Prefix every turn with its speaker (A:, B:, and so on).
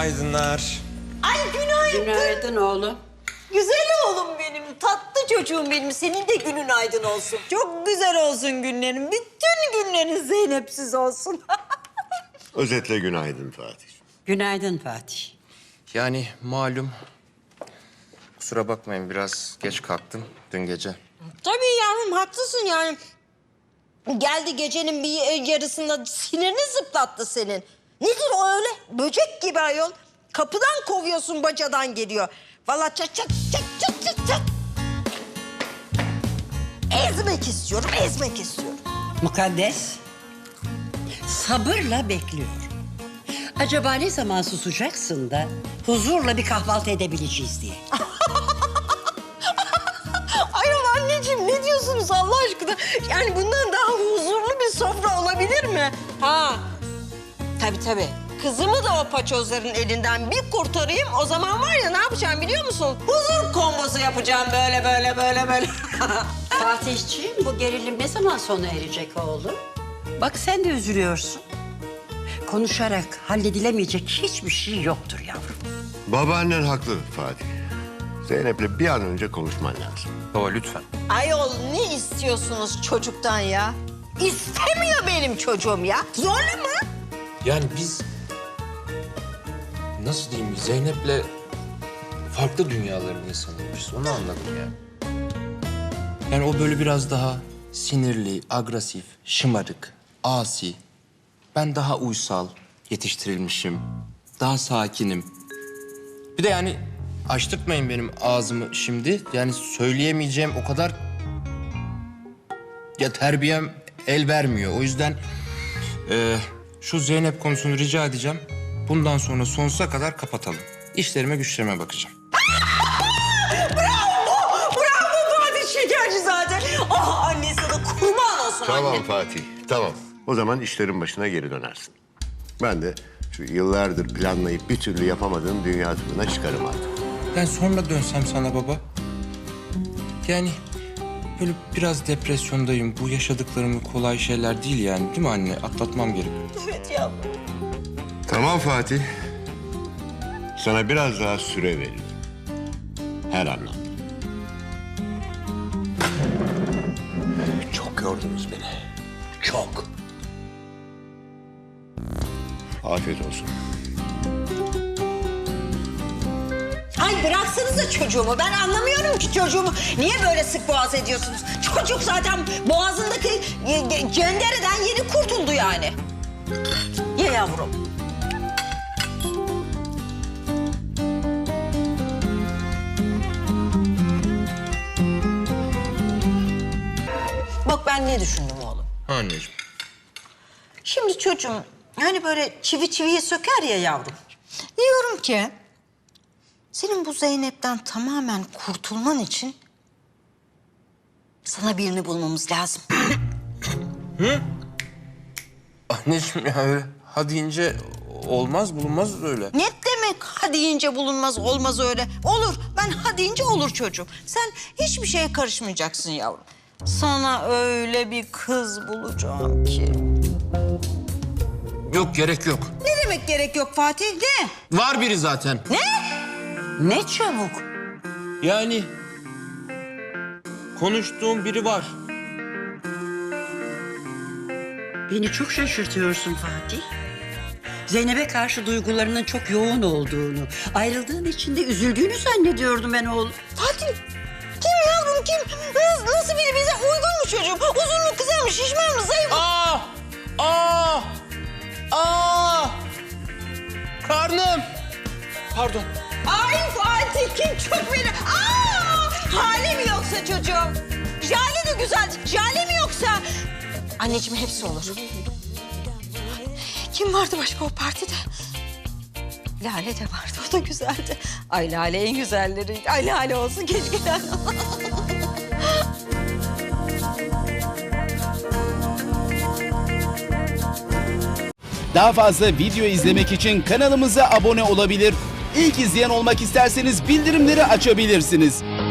A: Günaydınlar.
B: Ay günaydın.
C: Günaydın oğlum.
B: Güzel oğlum benim, tatlı çocuğum benim. Senin de günün aydın olsun. Çok güzel olsun günlerin. Bütün günlerin Zeynep'siz olsun.
D: Özetle günaydın Fatih.
C: Günaydın Fatih.
A: Yani malum. Kusura bakmayın biraz geç kalktım dün gece.
B: Tabii yavrum, haklısın yani. Geldi gecenin bir yarısında sinirini zıplattı senin. Nedir o öyle? Böcek gibi ayol. Kapıdan kovuyorsun, bacadan geliyor. Vallahi çat çat çat çat çat çat. Ezmek istiyorum, ezmek istiyorum.
C: Mukaddes, sabırla bekliyorum. Acaba ne zaman susacaksın da huzurla bir kahvaltı edebileceğiz diye.
B: Ayol anneciğim, ne diyorsunuz Allah aşkına? Yani bundan daha huzurlu bir sofra olabilir mi? Ha, tabii. Kızımı da o paçozların elinden bir kurtarayım. O zaman var ya, ne yapacağım biliyor musun? Huzur kombosu yapacağım böyle.
C: Fatihciğim, bu gerilim ne zaman sona erecek oğlum? Bak sen de üzülüyorsun. Konuşarak halledilemeyecek hiçbir şey yoktur yavrum.
D: Babaannen haklı Fatih. Zeynep'le bir an önce konuşman lazım.
A: Baba lütfen.
B: Ayol, ne istiyorsunuz çocuktan ya? İstemiyor benim çocuğum ya. Zorla mı?
A: Yani biz... Nasıl diyeyim, Zeynep'le farklı dünyaların insanıymışız. Onu anladım ya. Yani o böyle biraz daha sinirli, agresif, şımarık, asi. Ben daha uysal yetiştirilmişim. Daha sakinim. Bir de yani açtırtmayın benim ağzımı şimdi. Yani söyleyemeyeceğim o kadar... Ya terbiyem el vermiyor. O yüzden şu Zeynep konusunu rica edeceğim. Bundan sonra sonsuza kadar kapatalım. İşlerime güçlerime bakacağım.
B: Bravo Fatih, şekerci zaten. Ah, anne sana kurban olsun
D: Tamam
B: anne.
D: Fatih, tamam. O zaman işlerin başına geri dönersin. Ben de şu yıllardır planlayıp bir türlü yapamadığım dünya turuna çıkarım artık.
A: Ben sonra dönsem sana baba. Yani böyle biraz depresyondayım. Bu yaşadıklarım kolay şeyler değil yani. Değil mi anne? Atlatmam gerek.
B: Evet yavrum.
D: Tamam Fatih. Sana biraz daha süre veririm. Her anlamda. Çok yordunuz beni. Çok. Afiyet olsun.
B: Ay bıraksanıza çocuğumu. Ben anlamıyorum ki çocuğumu. Niye böyle sık boğaz ediyorsunuz? Çocuk zaten boğazındaki cendereden yeni kurtuldu yani. Ye yavrum. Bak ben ne düşündüm oğlum.
A: Anneciğim.
B: Şimdi çocuğum hani böyle çivi çiviyi söker ya yavrum. Diyorum ki senin bu Zeynep'ten tamamen kurtulman için sana birini bulmamız lazım.
A: Anneciğim ya öyle ha deyince olmaz bulunmaz öyle.
B: Ne demek ha deyince bulunmaz, olmaz öyle? Olur, ben ha deyince olur çocuğum. Sen hiçbir şeye karışmayacaksın yavrum. Sana öyle bir kız bulacağım ki.
A: Yok gerek yok.
B: Ne demek gerek yok Fatih, ne?
A: Var biri zaten.
C: Ne çabuk.
A: Yani konuştuğum biri var.
C: Beni çok şaşırtıyorsun Fatih. Zeynep'e karşı duygularının çok yoğun olduğunu, ayrıldığın için de üzüldüğünü zannediyordum ben oğlum.
B: Fatih, kim yavrum kim? Nasıl biri, bize uygun mu çocuğum? Uzun mu, kısa mı, şişman mı, zayıf mı?
A: Karnım. Pardon.
B: Ay Fatih, kim çok beni? Hali mi yoksa çocuğum? Jale de güzel, jale mi yoksa? Anneciğim hepsi olur. Kim vardı başka o partide? Lale de vardı, o da güzeldi. Ay Lale en güzelleri. Ay Lale olsun, keşke Lale.
E: Daha fazla video izlemek için kanalımıza abone olabilir. İlk izleyen olmak isterseniz bildirimleri açabilirsiniz.